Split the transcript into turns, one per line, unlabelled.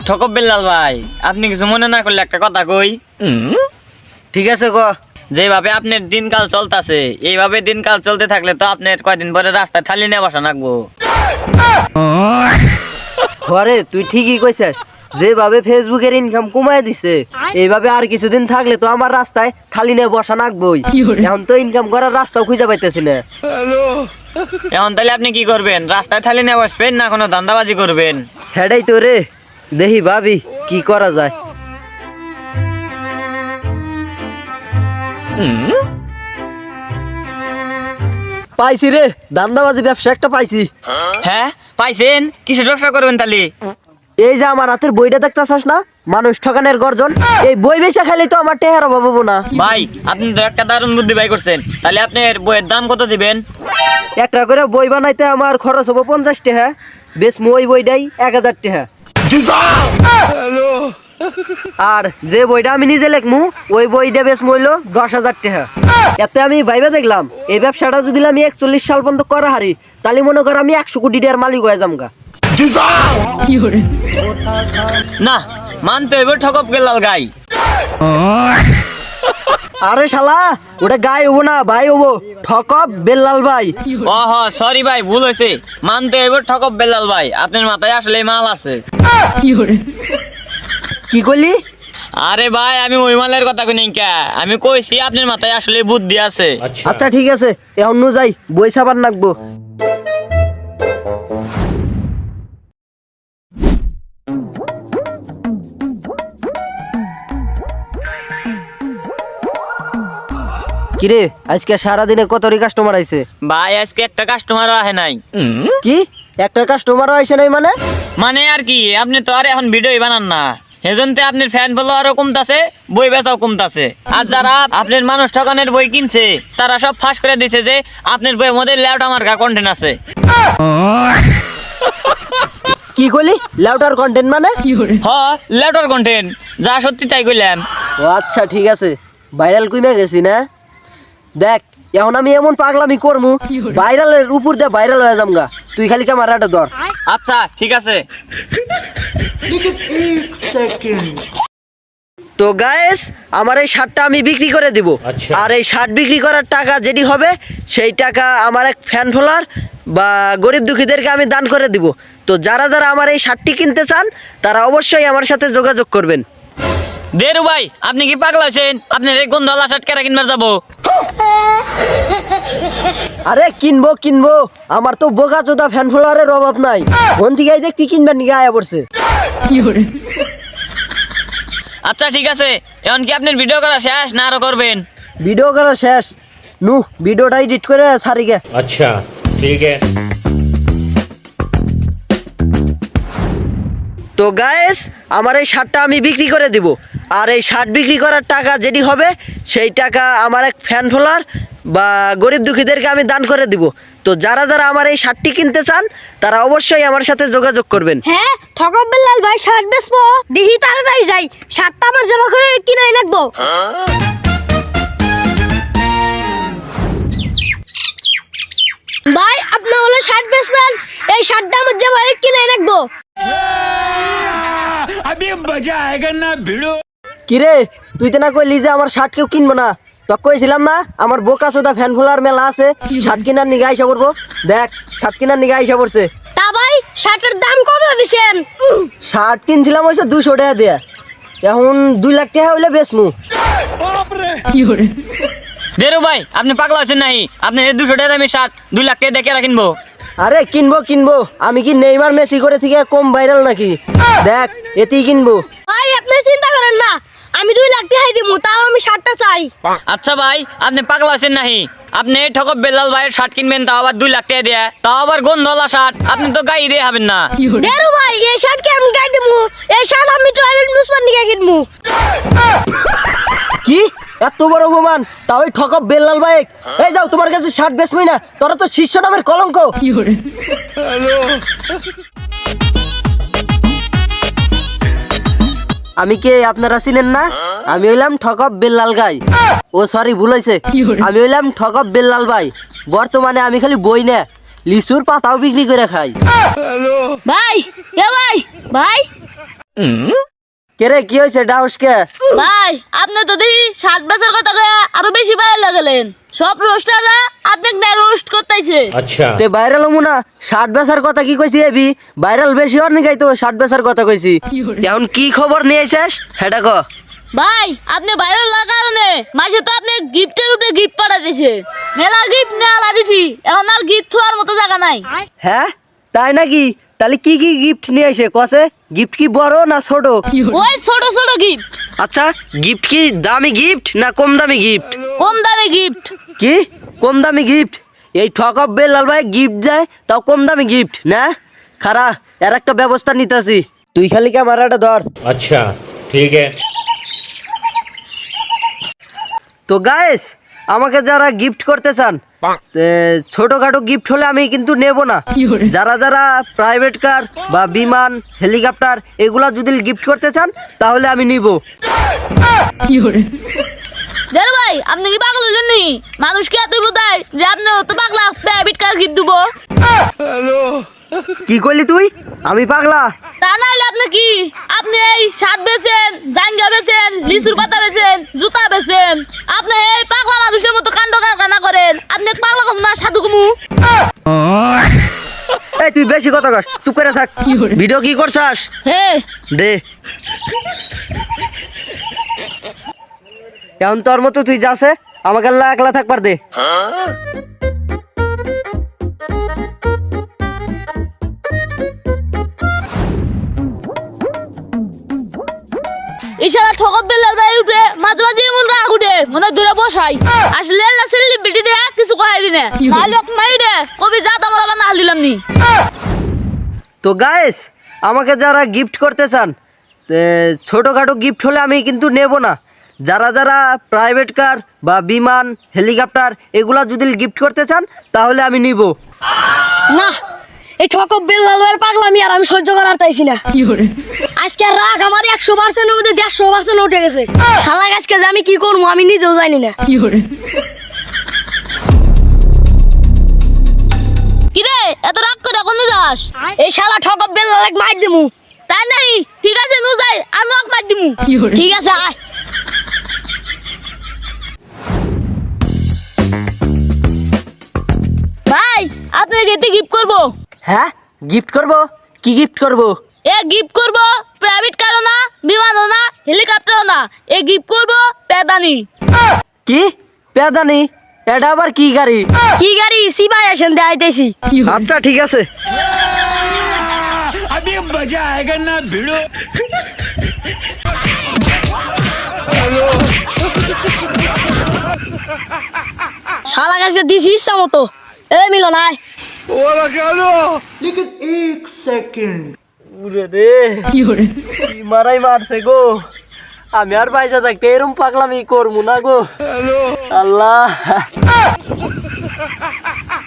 ঠকব বেল্লাল ভাই, আপনি কিছু মনে না করলে একটা কথা কই।
ঠিক আছে ক।
যেভাবে আপনার দিনকাল চলতেছে, এইভাবে দিনকাল চলতে থাকলে তো আপনার কয়দিন পরে রাস্তায় থালি নিয়ে বসা লাগবো।
ঘরে তুই ঠিকই কইছিস, যেভাবে ফেসবুকের ইনকাম কমায় দিছে এইভাবে আর কিছুদিন থাকলে তো আমার রাস্তায় থালি নিয়ে বসা লাগবই। এখন তো ইনকাম করার রাস্তাও খুঁজে পাইতেছি না।
এখন তাহলে আপনি কি করবেন? রাস্তায় থালি নিয়ে বসবেন না কোনো ধান্দাবাজি করবেন?
হেডাই তো রে, দেখি ভাবি কি করা যায়। পাইছি রে, ধান্দাবাজি ব্যবসা একটা পাইছি।
হ্যাঁ পাইছেন? কিসের ব্যবসা করবেন তাহলে?
এই যে আমার হাতের বইটা দেখতেছাস না, মানুষ ঠকানের গর্জন, এই বই বেচা খাইলে তো আমার টেহার অভাব হবো না।
ভাই আপনি তো একটা দারুণ বুদ্ধি বাই করছেন। তাহলে আপনার বইয়ের দাম কত দিবেন?
একটা করে বই বানাইতে আমার খরচ হবো 50 টাকা, বেশ ওই বইটাই 1000 টাকা। আর যে বইটা আমি নিজে লেখমু ওই বইটা বেশ মূল্য 10,000 টাকা। এতে আমি ভাইবা দেখলাম এই ব্যবসাটা যদি আমি 41 সাল পর্যন্ত করা হারি, তাহলে মনে কর আমি 100 কোটি টাকার মালিক হয়ে যামগা।
না, মানতে হইব ঠকব বেল্লাল গাই।
আরে শালা, ওটা গাই হবো না ভাই হবো, ঠকব বেল্লাল ভাই।
ও হ সরি ভাই, ভুল হয়েছে। মানতে হইব ঠকব বেল্লাল ভাই, আপনার মাথায় আসলে মাল আছে।
কি করলি?
আরে ভাই আমি ওই মালের কথা কই নাই কা, আমি কইছি আপনার মাথায় আসলে বুদ্ধি আছে।
আচ্ছা ঠিক আছে, এখন নু যাই, বই ছাপার নাকবো। কিরে আজকে সারাদিনে কতরি কাস্টমার আইছে?
ভাই আজকে একটা কাস্টমারও আহে নাই।
কি একটা কাস্টমারও আইছে নাই মানে?
মানে আর কি, আপনি তো আর এখন ভিডিওই বানান না, সেজন্যে আপনার ফ্যান ফলোয়ারও কমতাছে, বই বেচাও কমতাছে। আর যারা আপনার মানুষ ঠকানের বই কিনছে তারা সব ফাঁস করে দিছে যে আপনার বইয়ের মধ্যে ল্যাউটা মার্কা কন্টেন্ট আছে।
কি কইলি? লাউটার কন্টেন্ট মানে?
হ ল্যাউটার কন্টেন্ট, যা সত্যি তাই কইলাম।
ও আচ্ছা ঠিক আছে, ভাইরাল কইমে গেছি না। দেখ এখন আমি এমন পাগলামি করমু, ভাইরালের উপর দিয়ে ভাইরাল হয়ে যামগা। তুই খালি ক্যামেরাটা ধর।
আচ্ছা ঠিক আছে।
তো গাইস, আমার এই শার্টটা আমি বিক্রি করে দিব। আর এই শার্ট বিক্রি করার টাকা যেটি হবে সেই টাকা আমার এক ফ্যান ফলোয়ার বা গরিব দুঃখীদেরকে আমি দান করে দিব। তো যারা যারা আমার এই শার্টটি কিনতে চান তারা অবশ্যই আমার সাথে যোগাযোগ করবেন।
দেরু ভাই আপনি কি পাগলা আছেন? আপনার এই গন্ধওয়ালা শার্ট কেরা কিনবার যাবো?
আরে কিনবো কিনবো, আমার তো বোকা চোদা ফ্যান ফলোয়ারের অভাব নাই। ফোন থেকে দেখ কি কিনবার নিয়ে আয়া পড়ছে।
আচ্ছা ঠিক আছে, এখন কি আপনার ভিডিও করা শেষ না আরো করবেন?
ভিডিও করা শেষ, নু ভিডিওটা এডিট করে সারি গে।
अच्छा ठीक है।
তো গাইস, আমার এই শার্টটা আমি বিক্রি করে দিব। আর এই শার্ট বিক্রি করার টাকা যেটি হবে সেই টাকা আমার এক ফ্যান ফলোয়ার বা গরিব দুঃখীদেরকে আমি দান করে দিব। তো যারা যারা আমার এই শার্টটি কিনতে চান তারা অবশ্যই আমার সাথে যোগাযোগ করবেন।
হ্যাঁ ঠকব বেল্লাল ভাই শার্ট বেচবো, দেখি তাড়াতাড়ি যাই, শার্টটা আমার জমা করে কিনে রাখবো। ভাই আপনি হলো শার্ট বেচবেন, এই শার্টটা আমার জমা করে কিনে রাখবো।
কিরে তুই তো না কইলি যে আমার শার্ট কেউ কিনবো না? তো কইছিলাম না আমার বোকা চোদা ফ্যান ফলোয়ার মেলা আছে, শার্ট কিনার নিগে আইসা পড়বো। দেখ শার্ট কিনার নিগে আইসা পড়ছে।
তা ভাই শার্টের দাম কত দিছেন?
শার্ট কিনছিলাম হয়েছে 200 টাকা দিয়ে, এখন 2 লাখ টাকা হইলে বেচমু।
দেরু ভাই আপনি পাগলা আছেন নাই? আপনি 200 টাকা দামি শার্ট 2 লাখ টাকা দেখে কিনবো?
আরে কিনবো কিনবো, আমি কি নেইমার মেসি করে থেকে কম ভাইরাল নাকি? দেখ এতেই কিনবো।
ভাই আপনি চিন্তা করেন না, আমি 2 লাখ টাকা দিব, তাও আমি শার্টটা চাই।
আচ্ছা ভাই আপনি পাগলা আছেন নাই? আপনি ঠকব বেল্লাল ভাইয়ের শার্ট কিনবেন, তাও আবার 2 লাখ টাকা দিয়ে, তাও আবার গন্ধওয়ালা শার্ট। আপনি তো গাই দিয়ে হবেন না।
দেরু ভাই এই শার্ট কি আমি গাই দেবো? এই শার্ট আমি টয়লেট মুসমান নিয়ে কিনবো।
কি এত বড় অপমান? তাও ওই ঠকব বেল্লাল বাইক। এই যাও, তোমার কাছে শার্ট বেচবই না, তোরা তো শীর্ষ নামের কলঙ্ক। আমি কে আপনারা চিনেন না? আমি হইলাম ঠকব বেল্লাল গাই। ও সরি ভুল হয়েছে, আমি হইলাম ঠকব বেল্লাল ভাই। বর্তমানে আমি খালি বই না, লিচুর পাতাও বিক্রি করে খাই।
ভাই এ ভাই ভাই
কে রে, কি হয়েছে ডাউসকে?
ভাই আপনি তো দেখি 7 বছর কথা কয়ে আরো বেশি ভাইরাল লাগলেন। সব রোস্টাররা আপনাকে না রোস্ট করতেছে।
তে ভাইরাল হমু না? 60 বেচার কথা কি কইছি এবি? ভাইরাল বেশি হওয়ার নিগাই তো 60 বেচার কথা কইছি। এখন কি খবর নিয়ে আইছিস সেটা ক।
ভাই আপনি ভাইরাল লাগার কারণে মাসে তো আপনি গিফটের উপরে গিফট পাঠাতেছে। মেলা গিফট নেওয়া দিছি, এখন আর গিফট থোয়ার মতো জায়গা নাই।
হ্যাঁ তাই নাকি? তাহলে কি কি গিফট নিয়ে আইছে কসে? গিফট কি বড় না ছোট?
ওই ছোট ছোট গিফট।
আচ্ছা, গিফট কি দামি গিফট না কম দামি গিফট?
কম দামে গিফট।
কি কম দামি গিফট? এই ঠকব বেলাল ভাই গিফট দেয় তাও কম দামি গিফট না? খারা এর একটা ব্যবস্থা নিতেছি, তুই খালি ক্যামেরাটা ধর।
अच्छा ठीक है।
তো গাইস, আমাকে যারা গিফট করতে চান, ছোটখাটো গিফট হলে আমি কিন্তু নেব না। যারা যারা প্রাইভেট কার বা বিমান, হেলিকপ্টার এগুলা যদি গিফট করতে চান তাহলে আমি নিব।
দেখ ভাই আপনি কি পাগল হলেন নি? মানুষকে এতই বোধায় যে আপনি তো পাগলা প্রাইভেট কার গিফট দিব।
কি করলি তুই? আমি পাগলা?
তা নাইলে আপনি কি? আপনি এই শার্ট বেচেন, জাঙ্গা বেচেন, লিচুর পাতা বেচেন, জুতা বেচেন। আপনি এই পাগলা মানুষের মতো কাণ্ড কারখানা করেন। আপনি পাগলা কম না সাধু কমু?
এই তুই বেশি কথা কস, চুপ করে থাক। ভিডিও কি করছাস?
হে
দে। এখন তোর মতো তুই যাচ্ছে, আমাকে আল্লাহ একলা থাকবার দে।
ইশারা ঠকব বেলাল ভাই উঠে মাঝে মাঝে এমন রাগ উঠে মনে হয় দূরে বসাই। আসলে না সেলিব্রিটি দে কিছু কহাই দিনে নাহলে ওকে মারি দে কবি যা তোমার আবার না দিলাম নি।
তো গাইস, আমাকে যারা গিফট করতে চান, ছোটখাটো গিফট হলে আমি কিন্তু নেব না। যারা যারা প্রাইভেট কার বা বিমান, হেলিকপ্টার এগুলা যদি গিফট করতে চান তাহলে আমি নিব।
না, এই ঠকব বেলালের পাগলামি আর আমি সহ্য করার চাইছি না। আজকে রাগ আমার 100% মধ্যে 150% উঠে গেছে। শালা আজকে যে আমি কি করবো আমি নিজেও জানি না।
কিরে এত রাগ করে কোন যাস?
এই শালা ঠকব বেলালে মার দিমু।
তাই নাই? ঠিক আছে নু যাই, আমি ওকে মার দিমু।
ঠিক আছে আয়।
ভাই আপনাকে এতে গিফট করবো।
হ্যাঁ, গিফট করব? কি গিফট করব?
এ গিফট করবো প্রাইভেট কারও না, বিমানও না, হেলিকপ্টারও না। এ গিফট করবো পেদানি।
কি পেদানি? এটা আবার কি গাড়ি?
কি গাড়ি? সিবাই আসেন দেখাইতেছি।
আচ্ছা ঠিক আছে।
अभी मजा आएगा ना भिड़ो।
শালা গাছে দিছি ইচ্ছা মতো। এ মিলন আয়।
উরে রে, কি মারাই মারছে গো। আমি আর বাইজা থাকতে এরম পাগলামি করবো না গো। আল্লাহ।